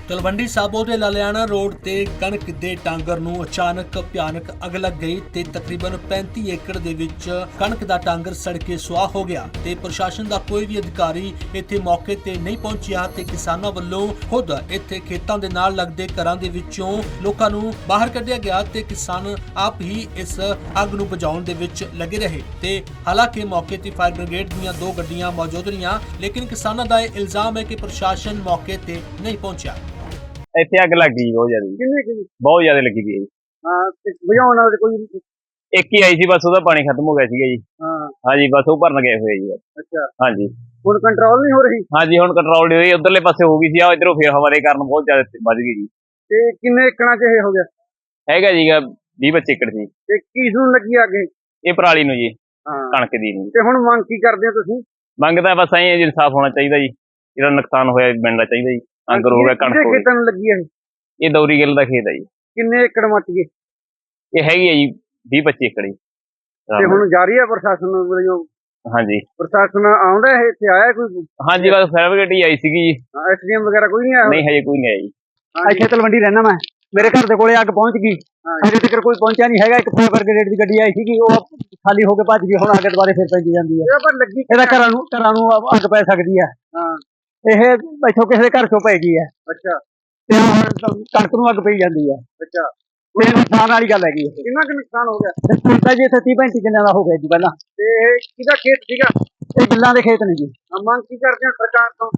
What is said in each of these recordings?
ਤਲਵੰਡੀ ਸਾਬੋ ਦੇ ਲਾਲਿਆਣਾ ਰੋਡ ਤੇ ਕਣਕ ਦੇ ਟਾਂਗਰ ਨੂੰ ਅਚਾਨਕ ਭਿਆਨਕ ਅੱਗ ਲੱਗ ਗਈ ਤੇ ਤਕਰੀਬਨ 35 ਏਕੜ ਦੇ ਵਿੱਚ ਕਣਕ ਦਾ ਟਾਂਗਰ ਸੜ ਕੇ ਸੁਆਹ ਹੋ ਗਿਆ ਤੇ ਪ੍ਰਸ਼ਾਸਨ ਦਾ ਕੋਈ ਵੀ ਅਧਿਕਾਰੀ ਇੱਥੇ ਮੌਕੇ ਤੇ ਨਹੀਂ ਪਹੁੰਚਿਆ ਤੇ ਕਿਸਾਨਾਂ ਵੱਲੋਂ ਖੁਦ ਇੱਥੇ ਖੇਤਾਂ ਦੇ ਨਾਲ ਲੱਗਦੇ ਘਰਾਂ ਦੇ ਵਿੱਚੋਂ ਲੋਕਾਂ ਨੂੰ ਬਾਹਰ ਕੱਢਿਆ ਗਿਆ ਤੇ ਕਿਸਾਨ ਆਪ ਹੀ ਇਸ ਅੱਗ ਨੂੰ ਬੁਝਾਉਣ ਦੇ ਵਿੱਚ ਲੱਗੇ ਰਹੇ ਤੇ ਹਾਲਾਂਕਿ ਮੌਕੇ ਤੇ ਫਾਇਰ ਬ੍ਰਿਗੇਡ ਦੀਆਂ 2 ਗੱਡੀਆਂ ਮੌਜੂਦ ਰਹੀਆਂ ਲੇਕਿਨ ਕਿਸਾਨਾਂ ਦਾ ਇਹ ਇਲਜ਼ਾਮ ਹੈ ਕਿ ਪ੍ਰਸ਼ਾਸਨ ਮੌਕੇ ਤੇ ਨਹੀਂ ਪਹੁੰਚਿਆ। ਇੱਥੇ ਅੱਗ ਲੱਗ ਗਈ ਬਹੁਤ ਜ਼ਿਆਦਾ, ਕਿੰਨੇ ਕਿ ਬਹੁਤ ਜ਼ਿਆਦਾ ਲੱਗੀ ਗਈ। ਹਾਂ ਤੇ ਬੁਝਾਉਣ ਵਾਲੇ ਕੋਈ ਇੱਕ ਹੀ ਆਈ ਸੀ ਬਸ, ਉਹਦਾ ਪਾਣੀ ਖਤਮ ਹੋ ਗਿਆ ਸੀਗਾ ਜੀ। ਹਾਂ ਹਾਂਜੀ ਬਸ ਉਹ ਭਰਨ ਗਏ ਹੋਏ ਜੀ। ਅੱਛਾ ਹਾਂਜੀ ਹੁਣ ਕੰਟਰੋਲ ਨਹੀਂ ਹੋ ਰਹੀ ਹਾਂਜੀ ਹੁਣ ਕੰਟਰੋਲ ਨਹੀਂ ਹੋਈ, ਉਧਰਲੇ ਪਾਸੇ ਹੋ ਗਈ ਸੀ, ਆ ਇਧਰੋਂ ਫੇਰ ਹਵਾ ਦੇ ਕਾਰਨ ਬਹੁਤ ਜ਼ਿਆਦਾ ਵੱਧ ਗਈ ਜੀ। ਤੇ ਕਿੰਨੇ ਏਕੜਾਂ 'ਚ ਇਹ ਹੋ ਗਿਆ? ਹੈਗਾ ਜੀਗਾ 20-25 ਏਕੜ ਸੀ। ਤੇ ਕਿਸ ਨੂੰ ਲੱਗੀ ਅੱਗੇ? ਇਹ ਪਰਾਲੀ ਨੂੰ ਜੀ, ਹਾਂ ਕਣਕ ਦੀ ਨੂੰ। ਤੇ ਹੁਣ ਮੰਗ ਕੀ ਕਰਦੇ ਹੋ ਤੁਸੀਂ? ਮੰਗਦਾ ਬਸ ਐਂ ਜੀ, ਇਨਸਾਫ ਹੋਣਾ ਚਾਹੀਦਾ ਜੀ, ਜਿਹੜਾ ਨੁਕਸਾਨ ਹੋਇਆ ਮਿਲਣਾ ਚਾਹੀਦਾ ਜੀ। ਅੰਗਰ ਹੋ ਗਿਆ, ਕਣਕ ਹੋ ਗਈ। ਖੇਤਾਂ ਨੂੰ ਲੱਗੀ ਹੈ ਇਹ ਦੌਰੀ ਗਿੱਲ ਦਾ ਖੇਤ ਹੈ ਜੀ। ਕਿੰਨੇ ਏਕੜ ਮੱਚ ਗਏ? ਇਹ ਹੈਗੀ ਹੈ ਜੀ 20-25 ਏਕੜ ਜੀ। ਤੇ ਹੁਣ ਜਾਰੀ ਹੈ ਪ੍ਰਸ਼ਾਸਨ ਵੱਲੋਂ? ਹਾਂਜੀ ਪ੍ਰਸ਼ਾਸਨ ਆਉਂਦਾ ਹੈ ਇੱਥੇ, ਆਇਆ ਕੋਈ? ਹਾਂਜੀ ਬਸ ਫਾਇਰ ਬ੍ਰਿਗੇਡ ਹੀ ਆਈ ਸੀਗੀ ਜੀ। ਐਸਡੀਐਮ ਵਗੈਰਾ ਕੋਈ ਨਹੀਂ ਆਇਆ? ਨਹੀਂ ਹਜੇ ਕੋਈ ਨਹੀਂ ਆਇਆ ਜੀ। ਇੱਥੇ ਤਲਵੰਡੀ ਰਹਿਣਾ ਮੈਂ, ਮੇਰੇ ਘਰ ਦੇ ਕੋਲੇ ਅੱਗ ਪਹੁੰਚ ਗਈ, ਅਜੇ ਤੱਕ ਕੋਈ ਪਹੁੰਚਿਆ ਨਹੀਂ ਹੈਗਾ। ਇੱਕ ਫਾਇਰ ਬ੍ਰਿਗੇਡ ਦੀ ਗੱਡੀ ਆਈ ਸੀਗੀ, ਉਹ ਖਾਲੀ ਹੋ ਕੇ ਭੱਜ ਗਈ, ਹੁਣ ਅੱਗ ਦੁਬਾਰੇ ਫਿਰ ਪੈਂਦੀ ਜਾਂਦੀ ਹੈ। ਇਹਦਾ ਘਰਾਂ ਨੂੰ ਅੱਗ ਪੈ ਸਕਦੀ ਹੈ। ਇਹ ਇੱਥੋਂ ਕਿਸੇ ਦੇ ਘਰ ਚੋਂ ਪੈ ਗਈ ਹੈ। ਅੱਛਾ ਤੇ ਹੁਣ ਕਣਕ ਨੂੰ ਅੱਗ ਪਈ ਜਾਂਦੀ ਹੈ। ਅੱਛਾ ਇਹ ਨੁਕਸਾਨ ਵਾਲੀ ਗੱਲ ਹੈਗੀ। ਕਿੰਨਾ ਕੁ ਨੁਕਸਾਨ ਹੋ ਗਿਆ? ਕੀਤਾ ਜੀ ਇੱਥੇ 30-35 ਕਿੱਲਿਆਂ ਦਾ ਹੋ ਗਿਆ ਜੀ ਪਹਿਲਾਂ। ਤੇ ਕਿਹਦਾ ਖੇਤ ਸੀਗਾ? ਇਹ ਗਿੱਲਾਂ ਦੇ ਖੇਤ ਨੇ ਜੀ। ਮੰਗ ਕੀ ਕਰਦੇ ਹੋ ਸਰਕਾਰ ਤੋਂ?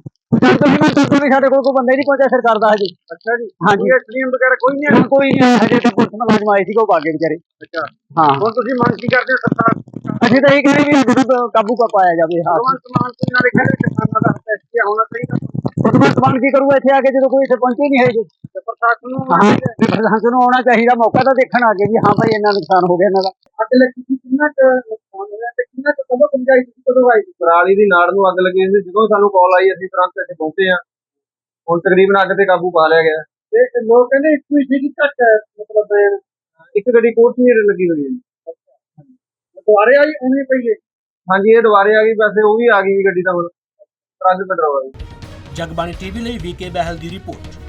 ਵੀ ਸਾਡੇ ਕੋਲ ਕੋਈ ਬੰਦਾ ਹੀ ਨਹੀਂ ਪਹੁੰਚਿਆ ਸਰਕਾਰ ਦਾ ਹਜੇ। ਅੱਛਾ ਜੀ। ਹਾਂਜੀ ਐਸਡੀਐਮ ਵਗੈਰਾ ਕੋਈ ਨਹੀਂ ਆਇਆ? ਕੋਈ ਨਹੀਂ ਆਇਆ ਹਜੇ, ਤਾਂ ਪੁਲਿਸ ਮੁਲਾਜ਼ਮ ਆਏ ਸੀਗੇ, ਉਹ ਭਾਗੇ ਵਿਚਾਰੇ। ਅੱਛਾ ਹਾਂ ਹੁਣ ਤੁਸੀਂ ਮੰਗ ਕੀ ਕਰਦੇ ਹੋ ਸਰਕਾਰ? ਅਸੀਂ ਤਾਂ ਇਹ ਕਹਿੰਦੇ ਵੀ ਅੱਗ ਨੂੰ ਕਾਬੂ ਪਾਇਆ ਜਾਵੇ। ਹਾਂ ਨਾਲੇ ਕਹਿੰਦੇ ਕਿਸਾਨਾਂ ਦਾ ਫੈਸਲਾ ਹੋਣਾ ਚਾਹੀਦਾ। ਸਮਾਨ ਕੀ ਕਰੂਗਾ ਇੱਥੇ ਆ ਕੇ ਜਦੋਂ ਕੋਈ ਇੱਥੇ ਪਹੁੰਚੇ ਨਹੀਂ ਹੈਗੇ? ਪ੍ਰਸ਼ਾਸਨ ਨੂੰ ਆਉਣਾ ਚਾਹੀਦਾ, ਮੌਕਾ ਤਾਂ ਦੇਖਣ ਆ ਕੇ ਵੀ ਹਾਂ ਭਾਈ ਇੰਨਾ ਨੁਕਸਾਨ ਹੋ ਗਿਆ ਇਹਨਾਂ ਦਾ। ਅੱਗ ਲੱਗੀ ਸੀ, ਕਿੰਨਾ ਕੁ ਨੁਕਸਾਨ ਹੋਇਆ ਤੇ ਕਿੰਨਾ ਕੁ ਕਦੋਂ ਪਹੁੰਚਾਈ ਸੀ, ਕਦੋਂ ਆਈ ਸੀ? ਪਰਾਲੀ ਦੀ ਨਾੜ ਨੂੰ ਅੱਗ ਲੱਗੀ ਸੀ, ਜਦੋਂ ਸਾਨੂੰ ਕਾਲ ਆਈ ਅਸੀਂ ਤੁਰੰਤ ਇੱਥੇ ਪਹੁੰਚੇ ਹਾਂ। ਹੁਣ ਤਕਰੀਬਨ ਅੱਗ ਤੇ ਕਾਬੂ ਪਾ ਲਿਆ ਗਿਆ। ਤੇ ਲੋਕ ਕਹਿੰਦੇ ਇੱਕ ਵੀ ਸੀ ਘੱਟ ਮਤਲਬ ਇੱਕ ਗੱਡੀ ਕੋਠੀ ਲੱਗੀ ਹੋਈ ਹੈ। ਦੁਆਰੇ ਆਈ ਉਵੇਂ ਪਈ ਹੈ? ਹਾਂਜੀ ਇਹ ਦੁਬਾਰੇ ਆ ਗਈ, ਵੈਸੇ ਉਹ ਵੀ ਆ ਗਈ ਗੱਡੀ ਤਾਂ ਹੁਣ ਟਰੱਕ ਪੈਟਰੋਲ। ਜਗਬਾਣੀ ਟੀਵੀ ਲਈ ਵੀਕੇ ਬਹਿਲ ਦੀ ਰਿਪੋਰਟ।